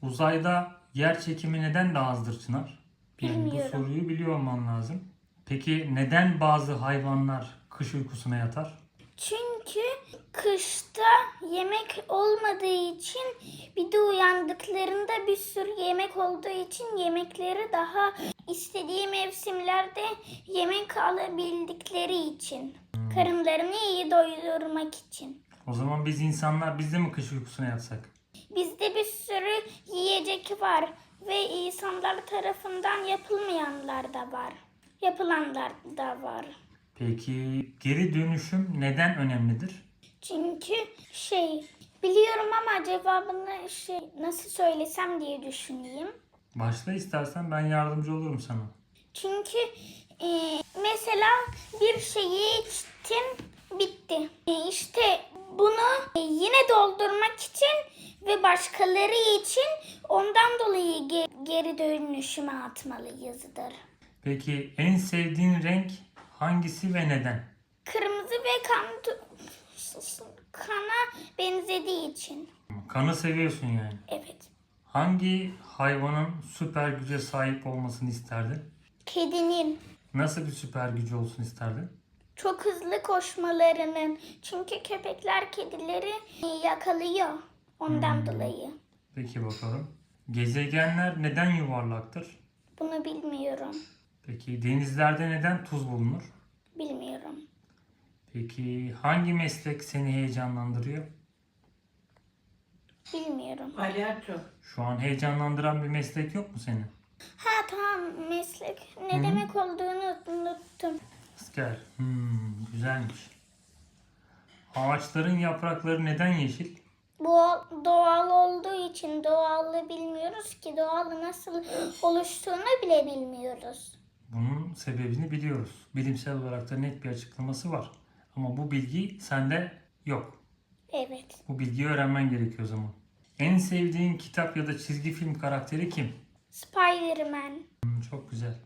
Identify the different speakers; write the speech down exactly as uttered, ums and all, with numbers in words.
Speaker 1: Uzayda yer çekimi neden daha azdır Çınar? Yani bu
Speaker 2: Bilmiyorum.
Speaker 1: soruyu biliyor olman lazım. Peki neden bazı hayvanlar kış uykusuna yatar?
Speaker 2: Çünkü kışta yemek olmadığı için bir de uyandıklarında bir sürü yemek olduğu için yemekleri daha istediği mevsimlerde yemek alabildikleri için. Karınlarını iyi doyurmak için.
Speaker 1: O zaman biz insanlar biz de mi kış uykusuna yatsak?
Speaker 2: Bizde bir sürü yiyecek var ve insanlar tarafından yapılmayanlar da var. Yapılanlar da var.
Speaker 1: Peki geri dönüşüm neden önemlidir?
Speaker 2: Çünkü şey biliyorum ama cevabını şey nasıl söylesem diye düşüneyim.
Speaker 1: Başla istersen ben yardımcı olurum sana.
Speaker 2: Çünkü e, mesela bir şeyi içtin bitti. E, işte bunu e, yine doldurmak için ve başkaları için ondan dolayı ge- geri dönüşüme atmalıyızdır.
Speaker 1: Peki en sevdiğin renk hangisi ve neden?
Speaker 2: Kırmızı ve kan kana benzediği için.
Speaker 1: Kanı seviyorsun yani.
Speaker 2: Evet.
Speaker 1: Hangi hayvanın süper güce sahip olmasını isterdin?
Speaker 2: Kedinin
Speaker 1: Nasıl bir süper gücü olsun isterdin?
Speaker 2: çok hızlı koşmalarının. Çünkü köpekler kedileri yakalıyor. Ondan
Speaker 1: Hmm.
Speaker 2: dolayı.
Speaker 1: Peki bakalım. Gezegenler neden yuvarlaktır?
Speaker 2: Bunu bilmiyorum.
Speaker 1: Peki denizlerde neden tuz bulunur?
Speaker 2: Bilmiyorum.
Speaker 1: Peki hangi meslek seni heyecanlandırıyor?
Speaker 2: Bilmiyorum.
Speaker 3: Palyaço.
Speaker 1: Şu an heyecanlandıran bir meslek yok mu senin?
Speaker 2: Ha tamam meslek. Ne
Speaker 1: Hı.
Speaker 2: demek olduğunu unuttum.
Speaker 1: Asker. Hmm, güzelmiş. Ağaçların yaprakları neden yeşil?
Speaker 2: Bu doğal olduğu için doğallığı bilmiyoruz ki doğalı nasıl oluştuğunu bile bilmiyoruz.
Speaker 1: Bunun sebebini biliyoruz. Bilimsel olarak da net bir açıklaması var. Ama bu bilgi sende yok.
Speaker 2: Evet.
Speaker 1: Bu bilgiyi öğrenmen gerekiyor o zaman. En sevdiğin kitap ya da çizgi film karakteri kim?
Speaker 2: Spider-Man.
Speaker 1: Hmm, çok güzel.